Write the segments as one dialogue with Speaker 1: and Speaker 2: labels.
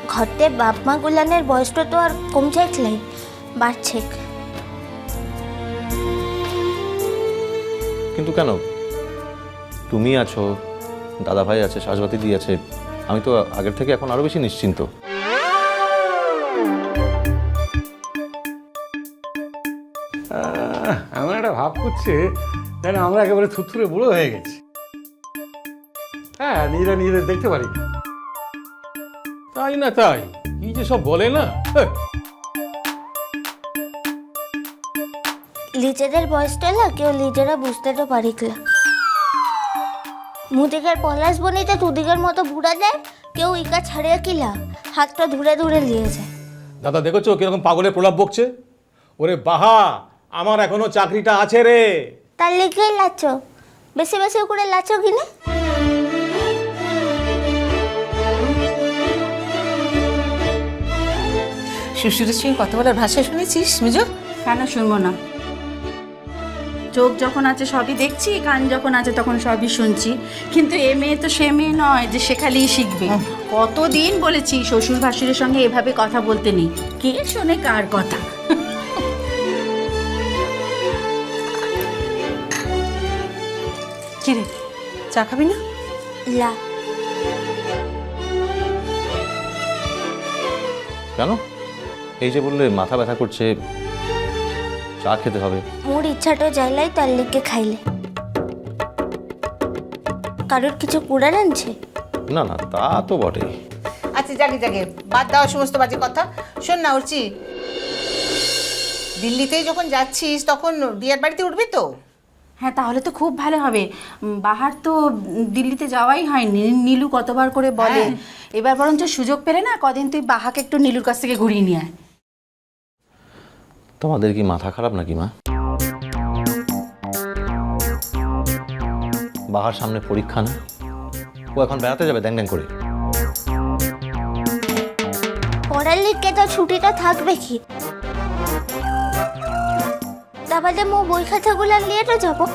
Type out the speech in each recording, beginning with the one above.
Speaker 1: ঘরতে বাপ মা গুলানের বয়সটা তো আর কমছে লাই বাড়ছে।
Speaker 2: কিন্তু কেন, তুমি আছো, দাদা ভাই আছে, সাজবাতি দি আছে, আমি তো আগের থেকে এখন আরো বেশি নিশ্চিন্ত।
Speaker 3: এমন একটা ভাব করছে যেন আমরা একেবারে থুথুরে বুড়ো হয়ে গেছি। হ্যাঁ, নিজেরা দেখতে পারি না। তাই না, তাই কি যে সব বলে না।
Speaker 1: নিজেদের বয়সটা না কেউ নিজেরা বুঝতে তো পারিকলা। মুদিকের পলাশ বনিতে তুদিকের মতো বুড়া দেয়, কেউ ইকা ছাড়িয়ে কিলা হাতটা ধরে ধরে নিয়ে যায়।
Speaker 3: দাদা দেখেছো কিরকম পাগলের প্রলাপ বকছে। ওরে বাহা, আমার এখনো চাকরিটা আছে রে।
Speaker 1: তার লিখেই লাচো, বেশি বেশি করে লাচো কিনা।
Speaker 4: শ্বশুরের সঙ্গে কথা বলার ভাষা শুনেছিস মিজো?
Speaker 5: কেন শুনবো না? চোখ যখন আছে সবই দেখছি, কান যখন আছে তখন সবই শুনছি, কিন্তু এ মেয়ে তো সে মেয়ে নয় যে শেখালেই শিখবে। কতদিন বলেছি শ্বশুর ভাসুরের সঙ্গে এভাবে কথা বলতে নেই। কে শোনে কার কথা?
Speaker 4: কি রে, চা খাবি না?
Speaker 1: লা
Speaker 2: কেন, এই যে বললে মাথা ব্যথা করছে, চা খেতে হবে।
Speaker 1: মোর ইচ্ছাটা যাইলাই তার লিখে খাইলে। কারোর কিছু কুড়ার আনছে?
Speaker 2: না না, তা তো বটেই।
Speaker 4: আচ্ছা জাগে জাগে, বাদ দাও সমস্ত বাজে কথা। শোন না উর্চি, দিল্লিতেই যখন যাচ্ছিস তখন বিয়ের বাড়িতে উঠবি তো?
Speaker 5: হ্যাঁ, তাহলে তো খুব ভালো হবে। বাহার তো দিল্লিতে যাওয়াই হয়নি, নীলু কতবার করে বলে। এবার বরঞ্চ সুযোগ পেলে না কদিন তুই বাহাকে একটু নীলুর কাছ থেকে ঘুরিয়ে নিয়ে আয়।
Speaker 2: তোমাদের কি মাথা খারাপ নাকি মা? বাহার সামনে পরীক্ষা না, ও এখন বেড়াতে যাবে দ্যাং দ্যাং করে।
Speaker 1: পড়ার লিখে তো ছুটিটা থাকবে কি? তাহলে মো বই খাতাগুলো নিয়ে তো যাবো।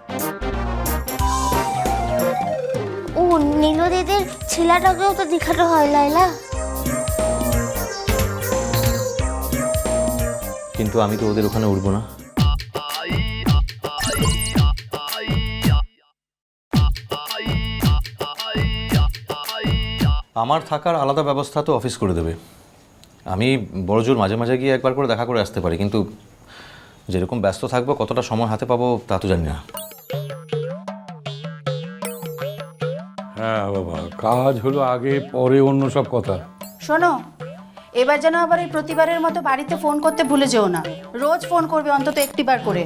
Speaker 1: ও নীলু দিদির ছেলেটাকেও তো দেখাতে হয় লাইলা।
Speaker 2: কিন্তু আমি তো ওদের ওখানে উঠবো না। আমার থাকার আলাদা ব্যবস্থা তো অফিস করে দেবে। আমি বড়জোর মাঝে মাঝে গিয়ে একবার করে দেখা করে আসতে পারি, কিন্তু যেরকম ব্যস্ত থাকবো, কতটা সময় হাতে পাবো তা তো জানি না।
Speaker 3: হ্যাঁ বাবা, কাজ হলো আগে, পরে অন্য সব কথা।
Speaker 5: শোনো, এবার যেন আবার এই প্রতিবারের মতো বাড়িতে ফোন করতে ভুলে যেও না। রোজ ফোন করবে অন্তত একটিবার করে।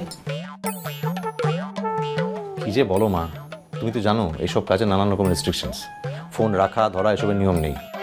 Speaker 2: কি যে বলো মা, তুমি তো জানো এইসব কাজে নানান রকম রেস্ট্রিকশনস, ফোন রাখা ধরা এসবের নিয়ম নেই।